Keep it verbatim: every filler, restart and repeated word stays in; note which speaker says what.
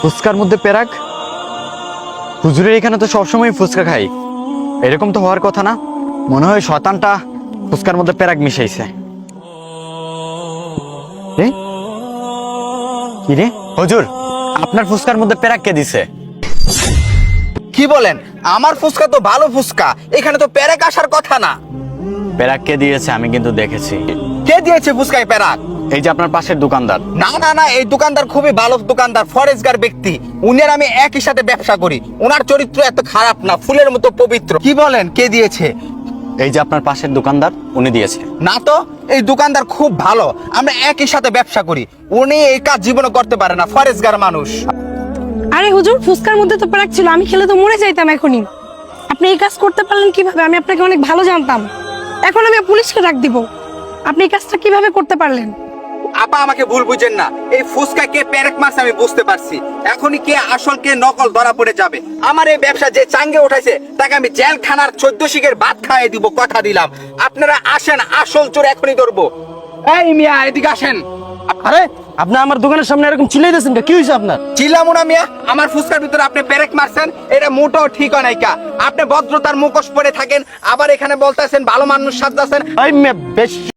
Speaker 1: ফুচকার মধ্যে পেরাক? হুজুরের এখানে তো সবসময় ফুচকা খাই, এরকম তো হওয়ার কথা না। মনে হয় শয়তানটা ফুচকার মধ্যে পেরাক মিশাইছে। এ? কি রে হুজুর, আপনার ফুচকার মধ্যে পেরাক কে দিছে?
Speaker 2: কি বলেন? আমার ফুচকা তো ভালো ফুচকা, এখানে তো পেরাক আসার কথা না।
Speaker 1: পেরাক কে দিয়েছে আমি কিন্তু দেখেছি।
Speaker 2: কে দিয়েছে ফুচকায় পেরাক?
Speaker 1: এই যে আপনার পাশের দোকানদার।
Speaker 2: না না না, এই দোকানদার খুবই ভালো দোকানদার, ফরেজগার ব্যক্তি। উনি আর আমি একই সাথে ব্যবসা করি। ওনার চরিত্র এত খারাপ না, ফুলের মতো পবিত্র। কি বলেন কে দিয়েছে?
Speaker 1: এই যে আপনার পাশের দোকানদার, উনি দিয়েছে।
Speaker 2: না তো, এই দোকানদার খুব ভালো, আমরা একই সাথে ব্যবসা করি। উনি এই কাজ জীবনে করতে পারে না, ফরেজগার মানুষ।
Speaker 3: আরে হুজুর, ফুচকার মধ্যে তো পেরাক ছিল, আমি খেলে তো মরে যাইতাম এখনই। আপনি এই কাজ করতে পারলেন কিভাবে? আমি আপনাকে অনেক ভালো জানতাম, এখন আমি পুলিশকে ডাক দিব। আপনি এই কাজটা কিভাবে করতে পারলেন?
Speaker 2: আপা আমাকে ভুল বুঝেন না, এই ফুচকা কে পেরেক মারছে আমি বুঝতে পারছি। এখনই কে আসল কে নকল ধরা পড়ে যাবে। আমার এই ব্যবসা যে চাঙ্গে উঠাইছে তাকে আমি জেলখানার চোদ্দ শিখের ভাত খাইয়ে দিব, কথা দিলাম। আপনারা আসেন, আসল চোর এখনই ধরবো। এই মিয়া, এদিকে আসেন।
Speaker 4: আরে আপনি আমার দোকানের সামনে এরকম চিল্লাইতেছেন কে? কি হয়েছে আপনার?
Speaker 2: চিল্লামু না মিয়া, আমার ফুচকার ভিতরে আপনি পেরেক মারছেন, এটা মোটেও ঠিক হয় নাই কা। আপনি ভদ্রতার মুখোশ পরে থাকেন, আবার এখানে বলতেছেন ভালো মানুষ সাজতেছেন।
Speaker 4: এই মেয়ে বেশ্য